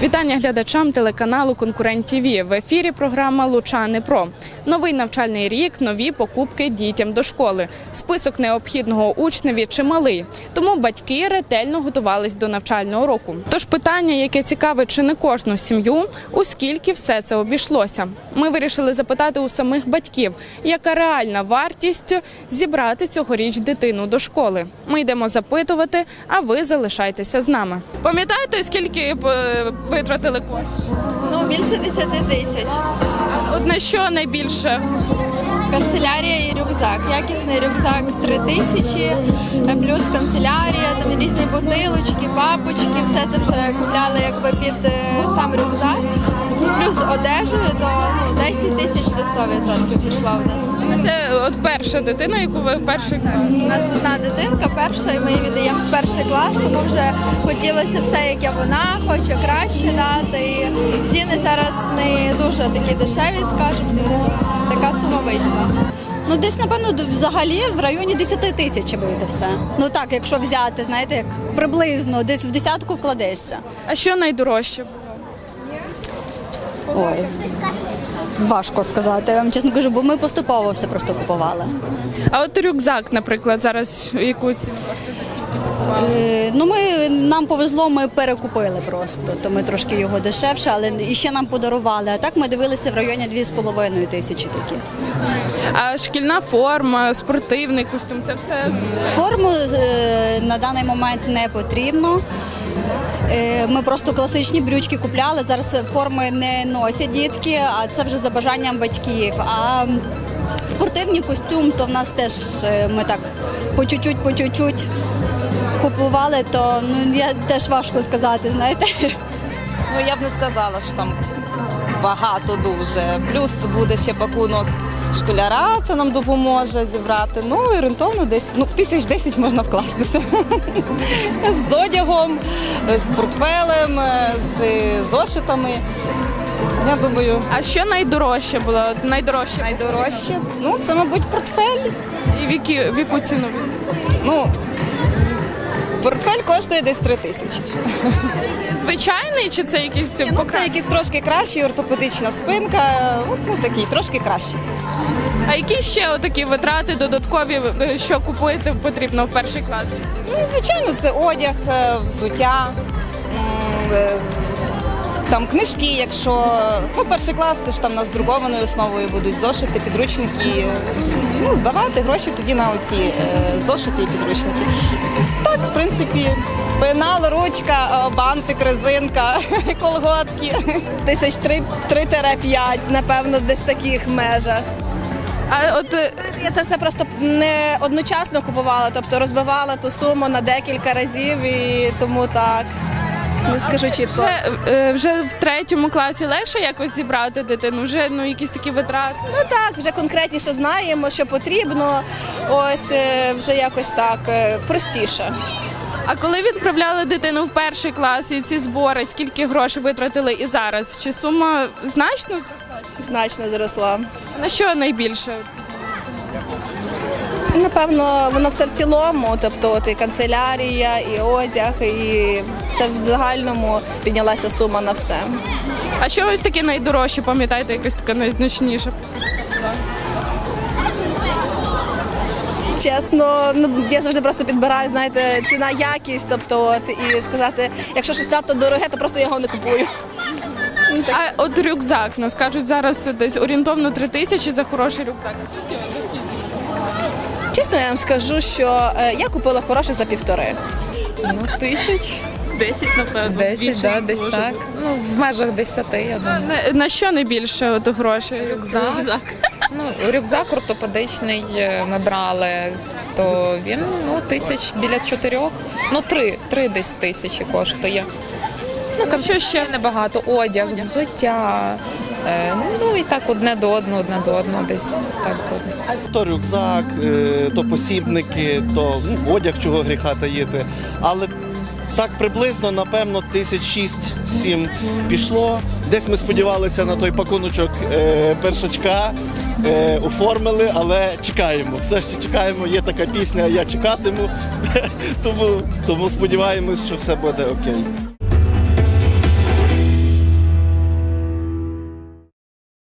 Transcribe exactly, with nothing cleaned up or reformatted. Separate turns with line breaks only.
Вітання глядачам телеканалу «Конкурент ТІВІ». В ефірі програма «Лучани Про». Новий навчальний рік, нові покупки дітям до школи. Список необхідного учневі чималий. Тому батьки ретельно готувались до навчального року. Тож питання, яке цікавить чи не кожну сім'ю, у скільки все це обійшлося. Ми вирішили запитати у самих батьків, яка реальна вартість зібрати цьогоріч дитину до школи. Ми йдемо запитувати, а ви залишайтеся з нами. Пам'ятаєте, скільки витратили коштів?
Ну, більше десяти тисяч.
От на що найбільше?
Канцелярія і рюкзак. Якісний рюкзак три тисячі, плюс канцелярія, там різні бутилочки, папочки. Все це вже купляли якби під сам рюкзак. Плюс одежею до ну, десять тисяч до сто відсотків пішла у нас.
Це от перша дитина, яку ви перший клас?
У нас одна дитинка, перша, і ми її віддаємо в перший клас, тому вже хотілося все, як вона, хоче краще дати. І ціни зараз не дуже такі дешеві, скажімо, тому така сума вийшла.
Ну, десь, напевно, взагалі в районі десяти тисяч вийде все. Ну так, якщо взяти, знаєте, як приблизно, десь в десятку вкладешся.
А що найдорожче?
Ой, важко сказати, я вам чесно кажу, бо ми поступово все просто купували.
А от рюкзак, наприклад, зараз яку ціну коштує, за скільки купували?
Е, ну, ми, нам повезло, ми перекупили просто, то ми трошки його дешевше, але і ще нам подарували. А так ми дивилися в районі дві з половиною тисячі такі.
А шкільна форма, спортивний костюм, це все?
Форму е, на даний момент не потрібно. Е, Ми просто класичні брючки купляли, зараз форми не носять дітки, а це вже за бажанням батьків. А спортивний костюм, то в нас теж е, ми так по чуть-чуть, по чуть-чуть купували, то ну, я теж важко сказати, знаєте.
Ну, я б не сказала, що там багато дуже. Плюс буде ще пакунок школяра, це нам допоможе зібрати. Ну, і орієнтовно десь, ну, в тисяч десять можна вкластися. З одягом, з портфелем, з зошитами. Я думаю,
А що найдорожче було? От найдорожче?
найдорожче, ну, це, мабуть, портфель.
І в які- в яку ціну?
Ну, портфель коштує десь три тисячі.
Звичайний чи це якийсь
Ну, це
покращений?
якийсь трошки кращий, ортопедична спинка, от, ну, такий, трошки кращий.
А які ще отакі витрати додаткові, е, що купуєте потрібно в перший клас?
Ну, звичайно, це одяг, е, взуття, м, е, там книжки, якщо ну, перший клас, це ж там на друкованою основою будуть зошити, підручники. Ну, здавати гроші тоді на оці е, зошити і підручники. Так, в принципі, пенал, ручка, е, бантик, резинка, колготки.
Тисяч три-п'ять, напевно, десь в таких межах.
А от е,
Я це все просто не одночасно купувала, тобто розбивала ту суму на декілька разів і тому так, не скажу чітко.
вже, е, вже в третьому класі легше якось зібрати дитину? Вже ну якісь такі витрати?
Ну так, вже конкретніше знаємо, що потрібно, ось е, вже якось так е, простіше.
А коли відправляли дитину в перший клас і ці збори, скільки грошей витратили і зараз? Чи сума значно зросла?
Значно зросла.
На що найбільше?
Напевно, воно все в цілому, тобто от і канцелярія, і одяг, і це в загальному піднялася сума на все.
А що ось таке найдорожче, пам'ятаєте, якесь таке найзначніше?
Чесно, ну я завжди просто підбираю, знаєте, ціна, якість, тобто от і сказати, якщо щось надто дороге, то просто я його не купую. Ну, так.
А от рюкзак, нас кажуть, зараз десь орієнтовно три тисячі за хороший рюкзак. Скільки? За скільки?
Чесно, я вам скажу, що е, я купила хороший за півтори.
Ну, тисяч.
Десять, напевно.
Десять, да, десь
може
так. Ну, в межах десяти, я думаю.
На, на що найбільше от грошей?
Рюкзак. Ну, рюкзак ортопедичний ми брали, то він, ну, тисяч біля чотирьох. Ну, три, три десь тисячі коштує. Ну,
Що ще?
небагато. Одяг, взуття. Е, ну, і так одне до одного, одне до одного десь так буде.
То рюкзак, е, то посібники, то ну, одяг, чого гріха таїти. Але так приблизно, напевно, тисяч шість-сім пішло. Десь ми сподівалися на той пакуночок е, першачка, е, оформили, але чекаємо. Все ще чекаємо, є така пісня «Я чекатиму», тому, тому сподіваємось, що все буде окей.